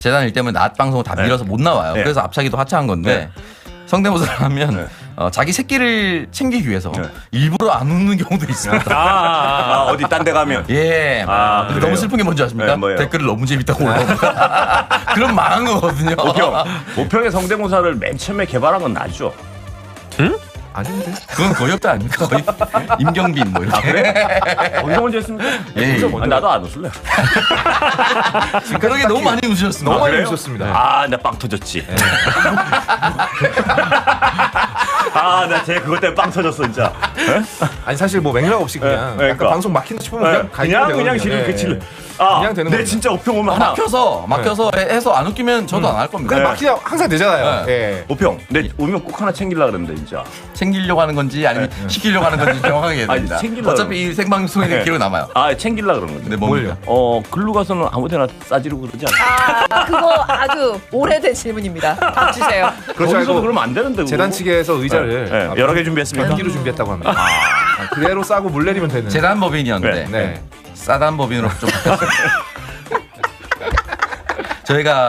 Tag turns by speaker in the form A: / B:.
A: 재단 일 때문에 낮 방송을 다 밀어서 못 나와요.
B: 네.
A: 그래서 앞차기도 하차한 건데 성대모사를 하면 자기 새끼를 챙기기 위해서 일부러 안 웃는 경우도 있습니다.
B: 어디 딴 데 가면.
A: 예. 근데
B: 그래요?
A: 너무 슬픈 게 뭔지 아십니까?
B: 네, 뭐예요?
A: 댓글을 너무 재밌다고 올라오고. 그럼 망한 거거든요.
B: 모평의 성대모사를 맨 처음에 개발한 건 나죠.
C: 아닌데?
A: 그건 거의 없다 아닙니까? 거의 임경빈 뭐 이렇게.
B: 어디서 먼저 했습니까?
A: 예, 예.
B: 나도 안 웃을래.
A: 그러게 너무 많이 웃으셨습니다.
C: 너무 많이
B: 그래요?
C: 웃었습니다.
B: 나 빵 터졌지. 나 쟤 그것 때문에 빵 터졌어 진짜.
C: 아니 사실 뭐 맥락 없이 그냥
B: 그러니까.
C: 약간 방송 막힌다 싶으면
B: 그냥 지금 그치를.
C: 그냥 되는
B: 내
C: 겁니다.
B: 진짜 우평 오면 하나.
A: 막혀서 해서 안 웃기면 저도 안 할 겁니다.
C: 근데 막히냐 항상 되잖아요.
A: 네.
C: 예.
B: 우평. 내 오면 꼭 하나 챙기려 그러는데 진짜.
A: 챙기려고 하는 건지 아니면 시키려고 하는 건지 정확하게 해야 됩니다.
B: 챙기려고
A: 어차피 이 생방송에는 기록 남아요.
B: 챙기려 그러는 건데.
A: 근데 뭡니까?
B: 글로 가서는 아무데나 싸지르고 그러지 않아.
D: 그거 아주 오래된 질문입니다. 닥치세요.
C: 그렇지
B: 거기서도
C: 않고
B: 그러면 안 되는데. 그거.
C: 재단 측에서 의자를
B: 여러 개 준비했습니까?
C: 반기로 준비했다고 합니다. 그대로 싸고 물 내리면 되는.
A: 재단법인이었는데
C: 네.
A: 싸단 법인으로 좀 바뀌었습니다. 저희가